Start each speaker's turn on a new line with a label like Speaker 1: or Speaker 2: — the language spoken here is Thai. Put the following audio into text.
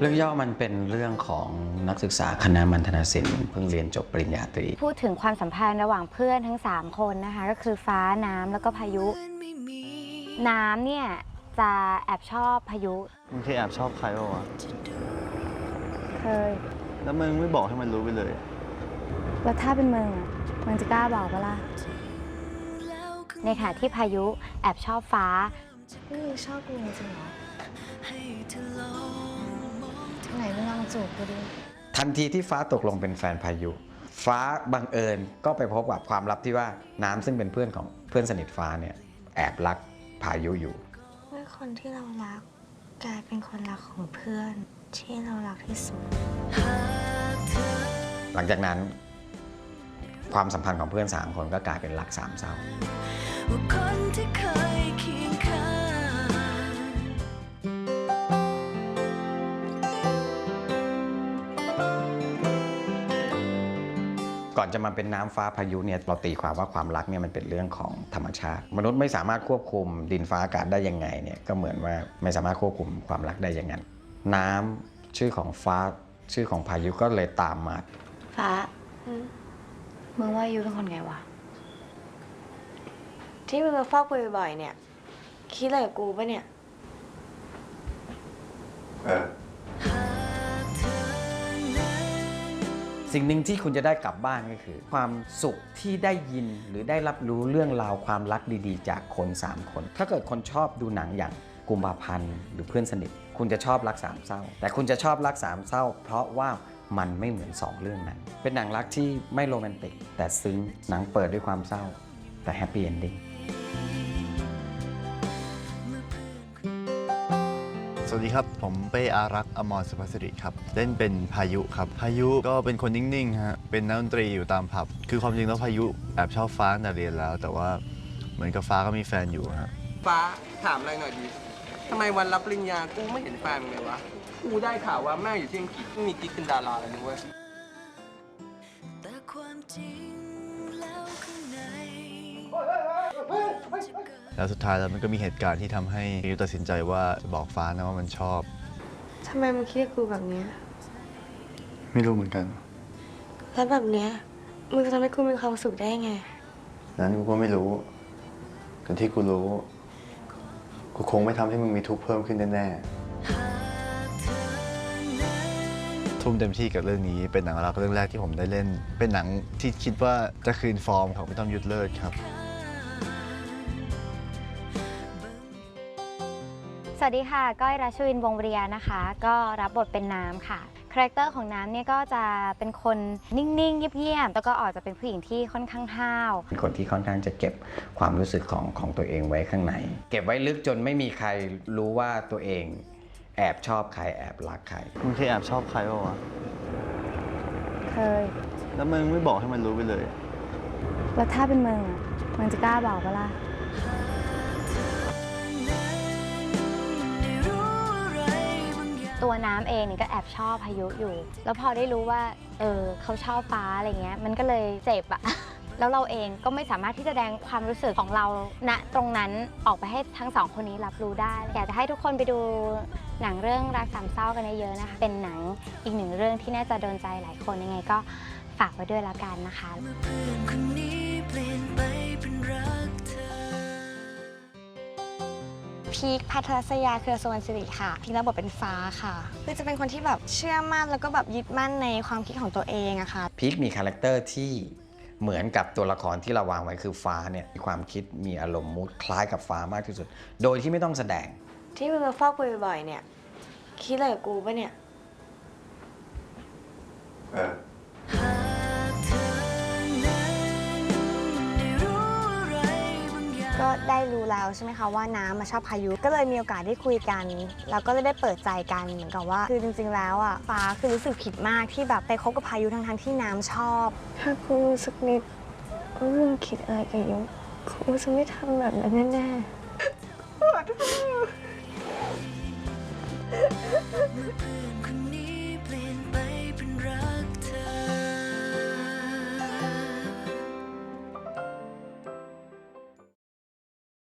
Speaker 1: เรื่องย่อมันเป็นเรื่องของนักศึกษาคณะมัณฑนศิลป์เพิ่งเรียนจบปริญญาตรี
Speaker 2: พูดถึงความสัมพันธ์ระหว่างเพื่อนทั้ง3คนนะคะก็คือฟ้าน้ำแล้วก็พายุ น้ำเนี่ยจะแอบชอบพายุ
Speaker 3: มึงเคยแอบชอบใครป่าวะ
Speaker 2: เคย
Speaker 3: แล้วมึงไม่บอกให้มันรู้ไปเลย
Speaker 2: แล้วถ้าเป็นมึงอ่ะมึงจะกล้าบอกปะล่ะในขณะที่พายุแอบชอบฟ้านี่มึงชอบกูจริงเหรอไหนมึงลองจูบกูดิ
Speaker 1: ทันทีที่ฟ้าตกลงเป็นแฟนพายุ ฟ้าบังเอิญก็ไปพบกับความลับที่ว่าน้ำซึ่งเป็นเพื่อนของเพื่อนสนิทฟ้าเนี่ยแอบรักพายุอยู่
Speaker 4: เมื่อคนที่เรารักกลายเป็นคนรักของเพื่อนที่เรารักที่สุด
Speaker 1: หลังจากนั้นความสัมพันธ์ของเพื่อน3คนก็กลายเป็นรัก3เศร้าก่อนจะมาเป็นน้ำฟ้าพายุเนี่ยเราตีความว่าความรักเนี่ยมันเป็นเรื่องของธรรมชาติมนุษย์ไม่สามารถควบคุมดินฟ้าอากาศได้ยังไงเนี่ยก็เหมือนว่าไม่สามารถควบคุมความรักได้อย่างนั้นน้ำชื่อของฟ้าชื่อของพายุก็เลยตามมา
Speaker 2: ฟ้ามึงว่ายูเป็นคนไงวะ
Speaker 4: ที่มึงมาเฝ้ากูบ่อยๆเนี่ยคิดอะไรกับกูปะเนี่ย
Speaker 1: สิ่งหนึ่งที่คุณจะได้กลับบ้านก็คือ ความสุขที่ได้ยินหรือได้รับรู้เรื่องราวความรักดีๆ จากคน3คนถ้าเกิดคนชอบดูหนังอย่างกุมภาพันธ์หรือเพื่อนสนิทคุณจะชอบรัก3เศร้าแต่คุณจะชอบรัก3เศร้าเพราะว่ามันไม่เหมือน2เรื่องนั้นเป็นหนังรักที่ไม่โรแมนติกแต่ซึ้งหนังเปิดด้วยความเศร้าแต่แฮปปี้เอนดิ้ง
Speaker 3: สวัสดีครับ ผมเป้อารักษ์อมรสุภสิริครับ เล่นเป็นพายุครับ พายุก็เป็นคนนิ่งๆฮะ เป็นนักดนตรีอยู่ตามผับ คือความจริงแล้วพายุแอบชอบฟ้าตั้งแต่เรียนแล้ว แต่ว่าเหมือนกับฟ้าก็มีแฟนอยู่ฮะ
Speaker 5: ฟ้าถามอะไรหน่อยดิทำไมวันรับปริญญากูไม่เห็นแฟนมึงเลยวะ กูได้ข่าวว่าแม่อยู่ที่อังกฤษมีกิ๊กเป็นดาราเลยนะเว้ย
Speaker 3: แล้วสุดท้ายแล้วมันก็มีเหตุการณ์ที่ทำให้พายุตัดสินใจว่าจะบอกฟ้านะว่ามันชอบ
Speaker 4: ทำไมมึงคิดกับกูแบบเนี้ย
Speaker 3: ไม่รู้เหมือนกัน
Speaker 4: แล้วแบบเนี้ยมึงจะทำให้กูมีความสุขได้ไง
Speaker 3: นั้นกูก็ไม่รู้แต่ที่กูรู้กูคงไม่ทำให้มึงมีทุกข์เพิ่มขึ้นแน่ๆทุ่มเต็มที่กับเรื่องนี้เป็นหนังรักเรื่องแรกที่ผมได้เล่น เป็นหนังที่คิดว่าจะคืนฟอร์มของพี่ต้อมยุทธเลิศครับ
Speaker 2: สวัสดีค่ะก้อยรัชวินวงศ์วริยานะคะก็รับบทเป็นน้ำค่ะคาแรคเตอร์ของน้ำเนี่ยก็จะเป็นคนนิ่งๆเงียบๆแล้วก็ออกจะเป็นผู้หญิงที่ค่อนข้างห้าว
Speaker 1: เป็นคนที่ค่อนข้างจะเก็บความรู้สึกของตัวเองไว้ข้างในเก็บไว้ลึกจนไม่มีใครรู้ว่าตัวเองแอบชอบใครแอบรักใคร
Speaker 3: มึงเคยแอบชอบใครป่าวะ
Speaker 2: เคย
Speaker 3: แล้วมึงไม่บอกให้มันรู้ไปเลย
Speaker 2: แล้วถ้าเป็นมึงอ่ะมึงจะกล้าบอกปะล่ะตัวน้ำเองนี่ก็แอบชอบพายุอยู่ แล้วพอได้รู้ว่าเขาชอบฟ้าอะไรเงี้ยมันก็เลยเจ็บอะ แล้วเราเองก็ไม่สามารถที่จะแสดงความรู้สึกของเราณตรงนั้นออกไปให้ทั้งสองคนนี้รับรู้ได้อยากจะให้ทุกคนไปดูหนังเรื่องรักสามเศร้ากันเยอะๆนะคะเป็นหนังอีกหนึ่งเรื่องที่น่าจะโดนใจหลายคนยังไงก็ฝากไว้ด้วยแล้วกันนะคะ
Speaker 4: พีคพัทรศยาเครือสวรรณสิริค่ะพีครับบทเป็นฟ้าค่ะคือจะเป็นคนที่แบบเชื่อมั่นแล้วก็แบบยึดมั่นในความคิดของตัวเองอะค่ะ
Speaker 1: พีคมีคาแรคเตอร์ที่เหมือนกับตัวละครที่เราวางไว้คือฟ้าเนี่ยมีความคิดมีอารมณ์มูดคล้ายกับฟ้ามากที่สุดโดยที่ไม่ต้องแสดง
Speaker 4: ที่มึงมาเฝ้ากูบ่อยๆเนี่ยคิดอะไรกับกูปะเนี่ยก็ได้รู้แล้วใช่ไหมคะว่าน้ำมาชอบพายุก็เลยมีโอกาสได้คุยกันแล้วก็ได้เปิดใจกันเหมือนกับว่าคือจริงๆแล้วอ่ะฟ้าคือรู้สึกผิดมากที่แบบไปคบกับพายุทั้งๆที่น้ำชอบถ้ากูรู้สึกนิดว่ามึงคิดอะไรกับยุกูจะไม่ทำแบบนั้นแน่ๆ